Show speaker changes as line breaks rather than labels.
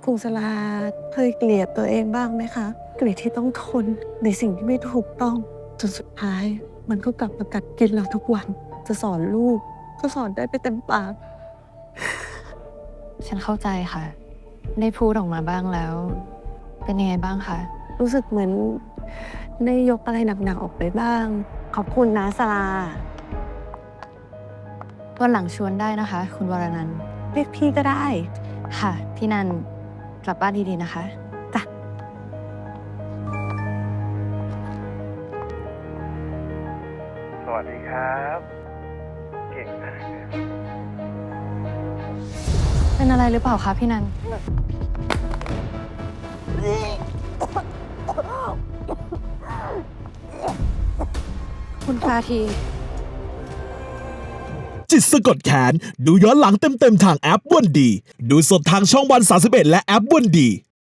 ครูสลาเคยเกลียดตัวเองบ้างไหมคะ เกลียดที่ต้องทนในสิ่งที่ไม่ถูกต้องจนสุดท้าย มันก็กลับมากัดกินเราทุกวัน จะสอนลูกก็สอนได้ไปเต็มปาก
ฉันเข้าใจค่ะ ได้พูดออกมาบ้างแล้ว เป็นยังไงบ้างคะ
รู้สึกเหมือนได้ยกอะไรหนักๆออกไปบ้าง ขอบคุณนะสลา
วันหลังชวนได้นะคะ คุณวรนันท์
เรียกพี่ก็ได้
ค่ะ พี่นันกลับบ้านดีๆนะคะ
จ้ะ
สวัสดีครับ เก่งมาก
เป็นอะไรหรือเปล่าคะพี่นัน คุณพาที
จิตสะกดแขน ดูย้อนหลังเต็มๆทางแอปวันดี ดูสดทางช่องวัน31และแอปวันดี